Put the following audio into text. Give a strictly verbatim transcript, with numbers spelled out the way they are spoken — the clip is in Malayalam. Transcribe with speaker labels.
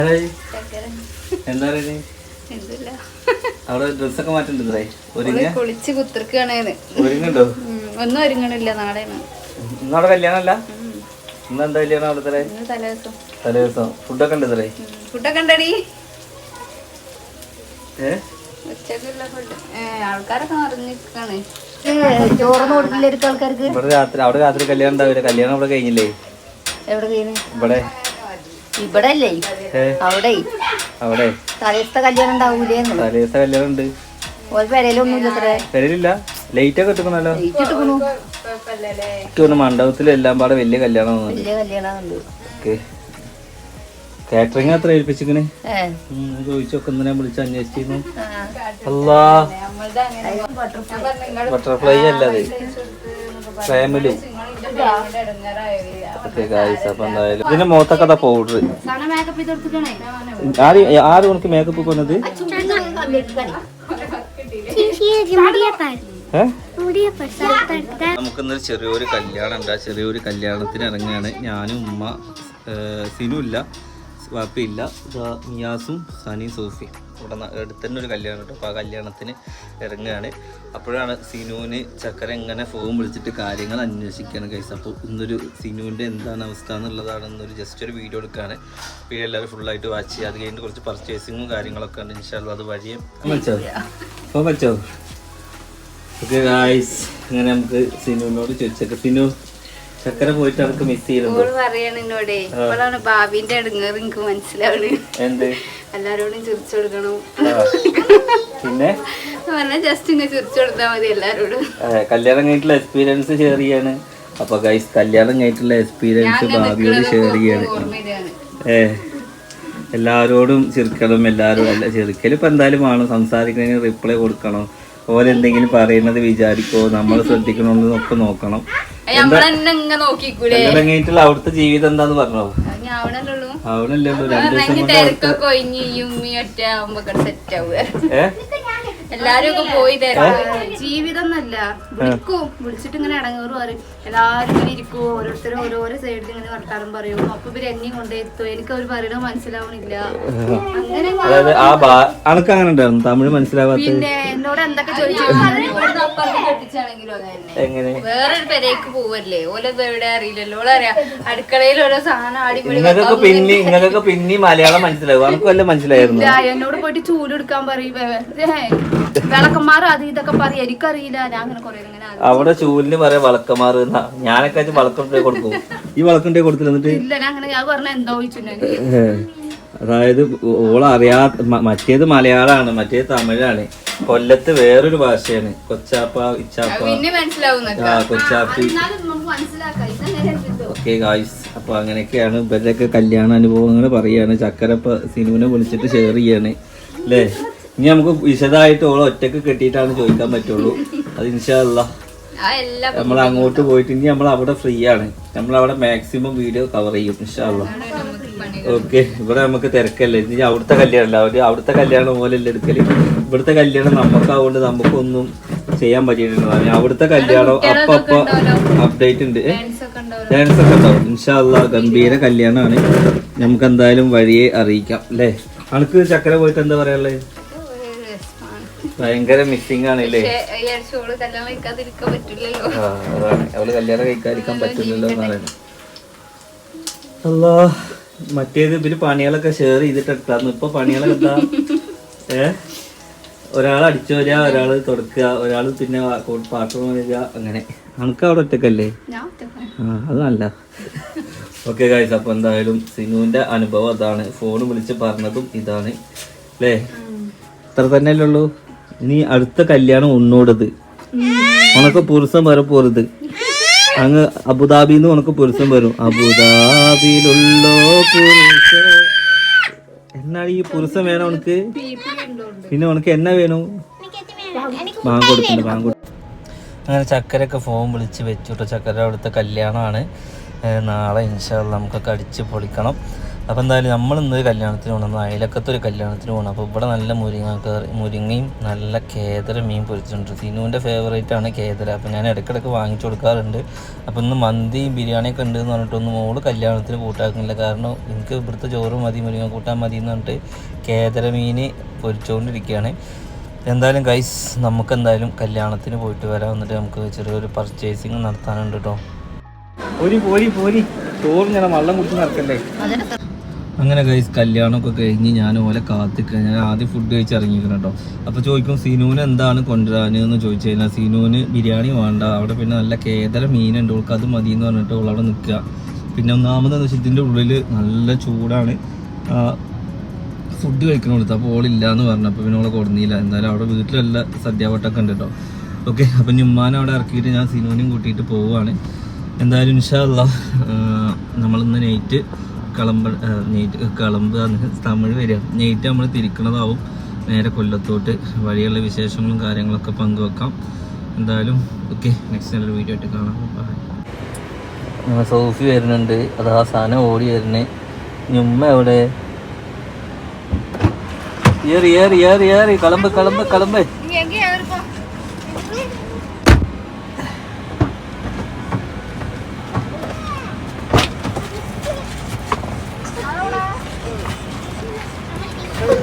Speaker 1: എന്താ പറയുന്നത്? അവിടെ ഡ്രസ്സൊക്കെ മാറ്റണ്ടോ?
Speaker 2: കുളിച്ച് കുത്തിർക്കാണ്.
Speaker 1: ഒരുങ്ങണ്ടോ?
Speaker 2: ഒന്നും ഒരുങ്ങണില്ല. നാളെ
Speaker 1: ഇന്നവിടെ കല്യാണമല്ല? ഇന്ന് എന്താ കല്യാണം അവിടെ?
Speaker 2: തലേദിവസം.
Speaker 1: തലേദിവസം ഫുഡൊക്കെ ഉണ്ട് തലേ?
Speaker 2: ഫുഡൊക്കെ ഉണ്ടടി.
Speaker 1: ഏ
Speaker 2: ഉച്ചക്കുള്ള ഫുഡ് ആൾക്കാരൊക്കെ നിറഞ്ഞിരിക്കാണ്.
Speaker 3: ചോറൊന്നും കൊടുക്കില്ലായിരിക്കും ആൾക്കാർക്ക്.
Speaker 1: ഇവിടെ രാത്രി അവിടെ രാത്രി കല്യാണം ഉണ്ടാവില്ല. കല്യാണം അവിടെ കഴിഞ്ഞില്ലേ?
Speaker 3: എവിടെ കഴിഞ്ഞു?
Speaker 1: ഇവിടെ
Speaker 3: ഇവിടെ അല്ലേ? അവിടെ
Speaker 1: അവിടെ
Speaker 3: തലേദിവസത്തെ കല്യാണം ഉണ്ടാവൂലേ?
Speaker 1: തലേദിവസത്തെ കല്യാണം ഉണ്ട്.
Speaker 3: ഒരു പെരയിലൊന്നും ഇല്ല. അത്ര
Speaker 1: പെരയിലില്ല. ലൈറ്റ് ഒക്കെ ഇട്ടിക്കണല്ലോ.
Speaker 3: ലൈറ്റ് ഇട്ടിക്കണു.
Speaker 1: എനിക്ക് മണ്ഡപത്തിലും എല്ലാം പാടെ വലിയ കല്യാണം
Speaker 3: വലിയ കല്യാണം.
Speaker 1: കാറ്ററിംഗ് അത്ര ഏൽപ്പിച്ചിക്കണ്. ചോദിച്ചൊക്കെ എന്തിനാ വിളിച്ച് അന്വേഷിച്ചിരുന്നു. അല്ലാ ബട്ടർഫ്ലൈ അല്ലാതെ ഫാമിലി. അപ്പൊ എന്തായാലും ഇതിന്റെ മുഖത്തൊക്കെ അതാ പൗഡർ. ആര് ആര് ഉനക്ക് മേക്കപ്പ് കൊന്നത്? നമുക്കിന്നൊരു ചെറിയൊരു കല്യാണം ഉണ്ട്. ആ ചെറിയൊരു കല്യാണത്തിന് ഇറങ്ങുകയാണ്. ഞാനും ഉമ്മ, സിനു ഇല്ല, വാപ്പയില്ല, മിയാസും സനിയും സോഫിയും. ഇവിടെ അടുത്ത് തന്നെ ഒരു കല്യാണം കേട്ടോ. അപ്പോൾ ആ കല്യാണത്തിന് ഇറങ്ങുകയാണ്. അപ്പോഴാണ് സിനുവിന് ചക്കര എങ്ങനെ ഫോൺ വിളിച്ചിട്ട് കാര്യങ്ങൾ അന്വേഷിക്കുകയാണ് ഗൈസ്. അപ്പോൾ ഇന്നൊരു സിനുവിൻ്റെ എന്താണ് അവസ്ഥ എന്നുള്ളതാണ് ഇന്നൊരു ജസ്റ്റ് ഒരു വീഡിയോ എടുക്കുകയാണ്. വീഡിയോ എല്ലാവരും ഫുള്ളായിട്ട് വാച്ച് ചെയ്യുക. അത് കഴിഞ്ഞിട്ട് കുറച്ച് പർച്ചേസിങ്ങും കാര്യങ്ങളൊക്കെ ഉണ്ട്. ഇൻഷാല്ലാ അത് വഴിയേ വെച്ചോ ഫോൺ വെച്ചോ. ഓക്കെ ഗൈസ്, അങ്ങനെ നമുക്ക് സിനുവിനോട് ചോദിച്ചേക്കാം. സിനു ചക്കര പോയിട്ട് നമുക്ക് മിസ് ചെയ്യുന്നു
Speaker 2: പറയാണ് എന്നോടേ. ഇപ്പോഴാണ് ഭാവിന്റെ അടുങ്ങേറ് എനിക്ക് മനസ്സിലാവണ്.
Speaker 1: എന്ത്
Speaker 2: എല്ലാരോടും ചിരിച്ചു കൊടുക്കണം.
Speaker 1: പിന്നെ
Speaker 2: പറഞ്ഞാൽ ജസ്റ്റ് ഇങ്ങനെ ചിരിച്ചു കൊടുത്താൽ മതി എല്ലാരോടും.
Speaker 1: കല്യാണം കഴിഞ്ഞിട്ടുള്ള എക്സ്പീരിയൻസ് ഷെയർ ചെയ്യാണ്. അപ്പൊ ഗൈസ് കല്യാണം കഴിഞ്ഞിട്ടുള്ള എക്സ്പീരിയൻസ് ഭാവിയോട് ഷെയർ ചെയ്യാണ്. ഏ എല്ലാവരോടും ചിരിക്കണം. എല്ലാവരും അല്ല ചിരിക്കൽ ഇപ്പൊ എന്തായാലും വേണം. സംസാരിക്കണമെങ്കിൽ റിപ്ലൈ കൊടുക്കണം. ഓരോ എന്തെങ്കിലും പറയുന്നത് വിചാരിക്കോ, നമ്മൾ ശ്രദ്ധിക്കണമെന്നൊക്കെ നോക്കണം. കല്യാണം കഴിഞ്ഞിട്ടുള്ള അവിടുത്തെ ജീവിതം എന്താന്ന് പറഞ്ഞോ? ആവണല്ലോ. രണ്ടു ദിവസം
Speaker 2: എല്ലാരും ഒക്കെ പോയി തരാം. ജീവിതം എന്നല്ല വിളിക്കും. വിളിച്ചിട്ട് ഇങ്ങനെ ഇടങ്ങേറും പറയും. എല്ലാരും ഇങ്ങനെ ഇരിക്കും. ഓരോരുത്തരും ഓരോരോ സൈഡിൽ ഇങ്ങനെ വർത്താനം പറയും. അപ്പൊ ഇവര് എന്നെയും കൊണ്ടെത്തും. എനിക്ക് അവർ പറയണത് മനസ്സിലാവണില്ല. അങ്ങനെ
Speaker 1: അങ്ങനെ ഉണ്ടായിരുന്നു തമിഴ് മനസ്സിലാവാത്ത.
Speaker 2: പിന്നെ എന്നോട് എന്തൊക്കെ ചോദിച്ചു കെട്ടിച്ചാണെങ്കിലും അങ്ങനെ വേറൊരു പെരേക്ക് പോവല്ലേ. ഓലത് എവിടെ അറിയില്ലല്ലോ. ഓളറിയാം അടുക്കളയിൽ ഓരോ സാധനം അടിപൊളി.
Speaker 1: പിന്നെ ഇങ്ങനൊക്കെ പിന്നെ മലയാളം മനസ്സിലാവും. നമുക്ക് വല്ല മനസ്സിലായിരുന്നു.
Speaker 2: എന്നോട് പോയിട്ട് ചൂലെടുക്കാൻ പറയും. വിളക്കന്മാർ അത് ഇതൊക്കെ പറയും. എനിക്കറിയില്ല. ഞാൻ അങ്ങനെ കുറെ ഇങ്ങനെ
Speaker 1: അവിടെ ചൂലിന് പറയാ വളക്കന്മാർ. ഞാനൊക്കെ വളക്കണ്ടേ കൊടുക്കും. ഈ വളക്കണ്ടേ കൊടുത്തില്ല.
Speaker 2: ഇല്ല ഞാൻ അങ്ങനെ ഞാൻ പറഞ്ഞ എന്താ ചോദിച്ചു.
Speaker 1: അതായത് ഓളറിയാ മറ്റേത് മലയാളമാണ്, മറ്റേത് തമിഴാണ്. കൊല്ലത്ത് വേറൊരു ഭാഷയാണ്. കൊച്ചാപ്പ, ഇച്ചാപ്പ, ആ കൊച്ചാപ്പി. ഓക്കെ ഗായ്സ്, അപ്പൊ അങ്ങനെയൊക്കെയാണ് ഇവരുടെയൊക്കെ കല്യാണ അനുഭവങ്ങൾ പറയാണ്. ചക്കരപ്പ സിനുവിനെ വിളിച്ചിട്ട് ഷെയർ ചെയ്യാണ് അല്ലേ. ഇനി നമുക്ക് വിശദമായിട്ട് ഓളെ ഒറ്റക്ക് കെട്ടിയിട്ടാണ് ചോദിക്കാൻ പറ്റുള്ളൂ. അത് ഇൻഷാ അല്ലാ നമ്മൾ അങ്ങോട്ട് പോയിട്ട് ഇനി നമ്മൾ അവിടെ ഫ്രീ ആണ്. നമ്മളവിടെ മാക്സിമം വീഡിയോ കവർ ചെയ്യും ഇൻഷാ അല്ലാ. ഓക്കെ, ഇവിടെ നമുക്ക് തിരക്കല്ലേ. ഇനി അവിടുത്തെ കല്യാണം അവര് അവിടുത്തെ കല്യാണം പോലെയല്ല എടുക്കല്. ഇവിടുത്തെ കല്യാണം നമുക്കാവുകൊണ്ട് നമുക്കൊന്നും ചെയ്യാൻ പറ്റിയിട്ടുണ്ടാവും. അവിടുത്തെ കല്യാണം അപ്പൊ അപ്പൊ അപ്ഡേറ്റ് ഉണ്ട്. ഡാൻസ് ഒക്കെ ഉണ്ടാവും ഇൻഷാ അല്ലാ. ഗംഭീര കല്യാണമാണ്. നമുക്ക് എന്തായാലും വഴിയെ അറിയിക്കാം അല്ലേ. അനക്ക് ചക്കര പോയിട്ട് എന്താ പറയാനുള്ളത്? ഭയങ്കര മിസ്സിംഗ് ആണല്ലേ. അതാണ് അവള് കല്യാണം കഴിക്കാതിരിക്കാൻ പറ്റില്ലല്ലോ എന്നാണ്. അല്ലാ, മറ്റേത് ഇവര് പണികളൊക്കെ ഷെയർ ചെയ്തിട്ട് എടുത്തായിരുന്നു. ഇപ്പൊ പണികളൊക്കെ എന്താ? ഏ ഒരാൾ അടിച്ചു വരിക, ഒരാള് തുടക്കുക, ഒരാള് പിന്നെ പാത്രം വരിക. അങ്ങനെ നമുക്ക് അവിടെ ഒറ്റക്കല്ലേ? ആ അത് നല്ല. ഓക്കെ ഗൈസ്, അപ്പൊ എന്തായാലും സിനുവിന്റെ അനുഭവം അതാണ്. ഫോൺ വിളിച്ച് പറഞ്ഞതും ഇതാണ് അല്ലേ. ഇത്ര തന്നെയല്ലേ ഉള്ളൂ. ഇനി അടുത്ത കല്യാണം ഉന്നോടത് ഉനക്ക് പുരുഷം വരെ പോരുത്. അങ്ങ് അബുദാബിന്ന് ഉനക്ക് പുരുഷം വരും. അബുദാബിയിലുള്ളോ പുരുഷ. എന്നാണ് ഈ പുരുഷം വേണം ഉനക്ക്? പിന്നെ ഉനക്ക് എന്നാ വേണം? ബാങ്ക് കൊടുക്കണ്ട ബാങ്ക് കൊടു. അങ്ങനെ ചക്കരയൊക്കെ ഫോൺ വിളിച്ച് വെച്ചുട്ടോ. ചക്കര അവിടുത്തെ കല്യാണമാണ് നാളെ ഇൻഷാ അല്ലാ. നമുക്കൊക്കെ അടിച്ച് പൊളിക്കണം. അപ്പോൾ എന്തായാലും നമ്മളിന്ന് കല്യാണത്തിന് പോകണം, അയലക്കത്തെ ഒരു കല്യാണത്തിന് പോകണം. അപ്പോൾ ഇവിടെ നല്ല മുരിങ്ങ കറി, മുരിങ്ങയും നല്ല കേദര മീൻ പൊരിച്ചിട്ടുണ്ട്. സിനുവിൻ്റെ ഫേവറേറ്റ് ആണ് കേദര. അപ്പോൾ ഞാൻ ഇടയ്ക്കിടയ്ക്ക് വാങ്ങിച്ചു കൊടുക്കാറുണ്ട്. അപ്പോൾ ഇന്ന് മന്തിയും ബിരിയാണിയൊക്കെ ഉണ്ട് എന്ന് പറഞ്ഞിട്ടൊന്നും മോള് കല്യാണത്തിന് കൂട്ടാക്കുന്നില്ല. കാരണം എനിക്ക് ഇവിടുത്തെ ചോറ് മതി, മുരിങ്ങ കൂട്ടാൻ മതി എന്ന് പറഞ്ഞിട്ട് കേദര മീൻ പൊരിച്ചുകൊണ്ടിരിക്കുകയാണ്. എന്തായാലും ഗൈസ് നമുക്ക് എന്തായാലും കല്യാണത്തിന് പോയിട്ട് വരാം. എന്നിട്ട് നമുക്ക് ചെറിയൊരു പർച്ചേസിങ് നടത്താനുണ്ട് കേട്ടോ. പോരി പോരി പോരി ചോറ് ഞാൻ വെള്ളം കുടിച്ച് നടക്കണ്ടേ. അങ്ങനെ ഗൈസ് കല്യാണമൊക്കെ കഴിഞ്ഞ് ഞാൻ ഓലെ കാത്തിക്കുക. ഞാൻ ആദ്യം ഫുഡ് കഴിച്ച് ഇറങ്ങിയിരിക്കണം കേട്ടോ. അപ്പോൾ ചോദിക്കും സിനുവിന് എന്താണ് കൊണ്ടുവരാനെന്ന് ചോദിച്ചു കഴിഞ്ഞാൽ സിനുവിന് ബിരിയാണി വേണ്ട, അവിടെ പിന്നെ നല്ല കേദര മീനുണ്ട്, ഓൾക്ക് അത് മതി എന്ന് പറഞ്ഞിട്ട് ഓൾ അവിടെ നിൽക്കുക. പിന്നെ ഒന്നാമതെന്ന് വെച്ചാൽ ഇതിൻ്റെ ഉള്ളിൽ നല്ല ചൂടാണ്, ഫുഡ് കഴിക്കണോളൂ. അപ്പോൾ ഓളില്ല എന്ന് പറഞ്ഞു. അപ്പോൾ പിന്നെ ഓളെ കൊടുന്നില്ല. എന്തായാലും അവിടെ വീട്ടിലല്ല സദ്യാവട്ടമൊക്കെ ഉണ്ട് കേട്ടോ. ഓക്കെ, അപ്പം ഉമ്മാനെ അവിടെ ഇറക്കിയിട്ട് ഞാൻ സിനുവിനെയും കൂട്ടിയിട്ട് പോവുകയാണ്. എന്തായാലും ഇൻഷാ അല്ലാഹ് നമ്മളിന്ന് നൈറ്റ് കളമ്പ നെയ്റ്റ് കളമ്പ് തമിഴ് വരിക നെയ്റ്റ് നമ്മൾ തിരിക്കണതാവും നേരെ കൊല്ലത്തോട്ട്. വഴിയുള്ള വിശേഷങ്ങളും കാര്യങ്ങളൊക്കെ പങ്കുവെക്കാം. എന്തായാലും ഓക്കെ, നെക്സ്റ്റ് നല്ലൊരു വീഡിയോ ആയിട്ട് കാണാം. സോഫി വരുന്നുണ്ട്, അതാ സാധനം ഓടി വരുന്നേ. ഉമ്മ എവിടെ? ഏറി ഏറി ഏറി ഏറി കളമ്പ് കളമ്പ് കളമ്പ്